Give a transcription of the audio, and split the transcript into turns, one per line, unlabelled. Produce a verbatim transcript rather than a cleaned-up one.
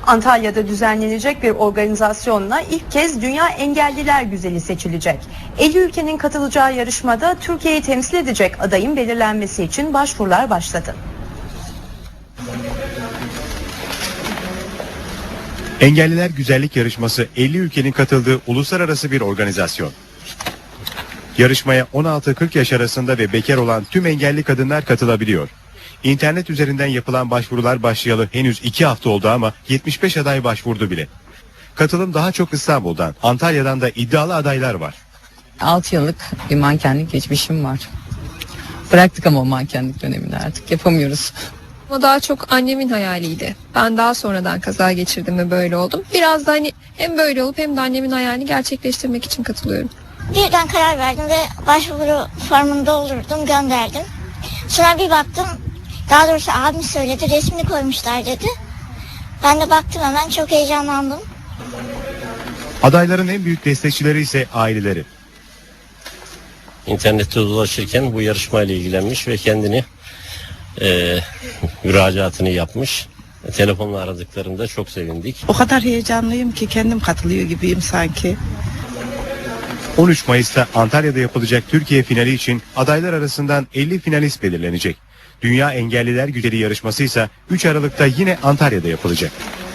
Antalya'da düzenlenecek bir organizasyonla ilk kez Dünya Engelliler Güzeli seçilecek. elli ülkenin katılacağı yarışmada Türkiye'yi temsil edecek adayın belirlenmesi için başvurular başladı.
Engelliler Güzellik Yarışması elli ülkenin katıldığı uluslararası bir organizasyon. Yarışmaya on altı kırk yaş arasında ve bekar olan tüm engelli kadınlar katılabiliyor. İnternet üzerinden yapılan başvurular başlayalı henüz iki hafta oldu ama yetmiş beş aday başvurdu bile. Katılım daha çok İstanbul'dan, Antalya'dan da iddialı adaylar var.
altı yıllık bir mankenlik geçmişim var. Bıraktık ama o mankenlik dönemini artık yapamıyoruz.
O daha çok annemin hayaliydi. Ben daha sonradan kaza geçirdim ve böyle oldum. Biraz da hani hem böyle olup hem de annemin hayalini gerçekleştirmek için katılıyorum.
Birden karar verdim ve başvuru formunu doldurdum, gönderdim. Sonra bir baktım, daha doğrusu abim söyledi, resmini koymuşlar dedi. Ben de baktım, hemen çok heyecanlandım.
Adayların en büyük destekçileri ise aileleri.
İnternette dolaşırken bu yarışmayla ilgilenmiş ve kendini e, müracaatını yapmış. Telefonla aradıklarında çok sevindik.
O kadar heyecanlıyım ki kendim katılıyor gibiyim sanki.
on üç Mayıs'ta Antalya'da yapılacak Türkiye finali için adaylar arasından elli finalist belirlenecek. Dünya Engelliler Güzeli yarışması ise üç Aralık'ta yine Antalya'da yapılacak.